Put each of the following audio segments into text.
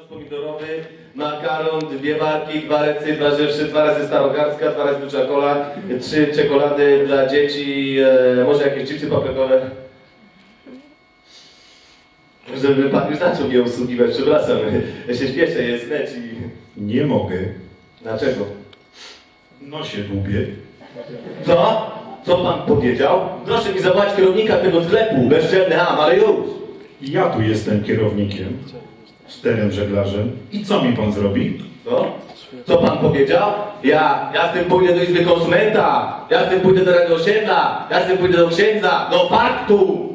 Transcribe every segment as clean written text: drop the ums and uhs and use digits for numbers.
pomidorowy, makaron, 2 barki, 2 recy, 2 rzeszy, 2 razy starogardzka, 2 razy duża cola, 3 czekolady dla dzieci, może jakieś chipsy paprykowe. Żeby pan już zaczął mnie usługiwać, przepraszam, ja się śpieszę, jest leć i... Nie mogę. Dlaczego? No się dłubię. Co? Co pan powiedział? Proszę mi zawołać kierownika tego sklepu, bezczelny ham, ale już! Ja tu jestem kierownikiem, sterem żeglarzem. I co mi pan zrobi? Co? Co pan powiedział? Ja z tym pójdę do Izby Konsumenta, ja z tym pójdę do Rady Osiedla, ja z tym pójdę do księdza, do faktu!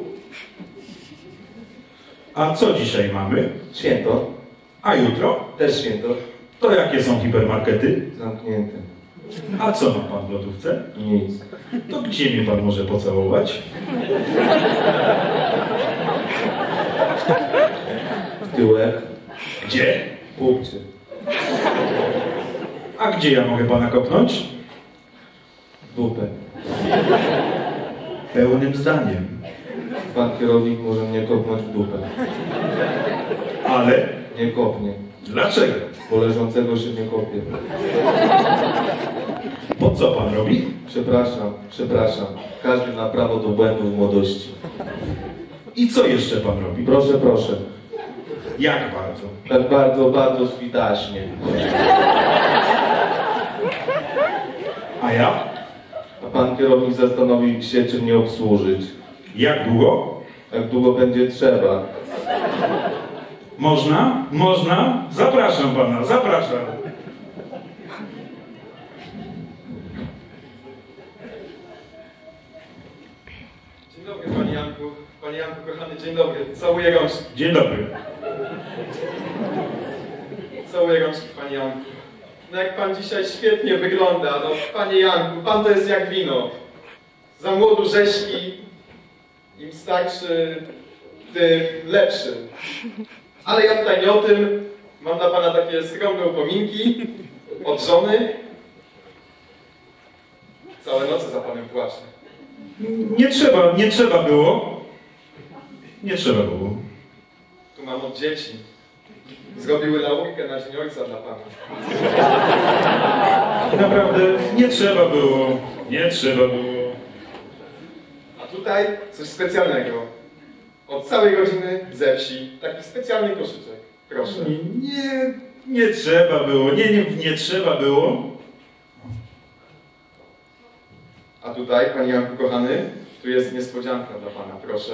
A co dzisiaj mamy? Święto. A jutro? Też święto. To jakie są hipermarkety? Zamknięte. A co ma pan w lodówce? Nic. To gdzie mnie pan może pocałować? W tyłek. Gdzie? Pupcie. A gdzie ja mogę pana kopnąć? W dupę. Pełnym zdaniem. Pan kierownik może mnie kopnąć w dupę. Ale? Nie kopnie. Dlaczego? Bo leżącego się nie kopie. Po co pan robi? Przepraszam. Każdy ma prawo do błędu w młodości. I co jeszcze pan robi? Proszę. Jak bardzo? Tak bardzo switaśnie. A ja? A pan kierownik zastanowi się, czy mnie obsłużyć. Jak długo? Jak długo będzie trzeba. Można? Można? Zapraszam pana, zapraszam. Dzień dobry, panie Janku. Panie Janku, kochany, dzień dobry. Całuję rączki. Dzień dobry. Całuję rączki, panie Janku. No jak pan dzisiaj świetnie wygląda, no panie Janku, pan to jest jak wino. Za młodu rzeźki, im starszy, tym lepszy. Ale ja tutaj nie o tym. Mam dla pana takie skromne upominki od żony. Całe noce za panem płaczę. Nie trzeba było. Nie trzeba było. Tu mam od dzieci. Zrobiły laurkę na dzień ojca dla pana. Naprawdę nie trzeba było. Nie trzeba było. A tutaj coś specjalnego. Od całej rodziny ze wsi. Taki specjalny koszyczek. Proszę. Nie trzeba było. Nie trzeba było. A tutaj, panie Janku kochany, tu jest niespodzianka dla pana. Proszę.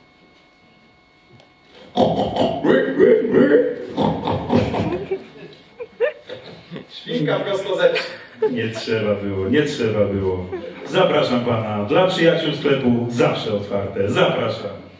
Świnka prosto ze wsi. Nie trzeba było. Zapraszam pana. Dla przyjaciół sklepu zawsze otwarte. Zapraszam.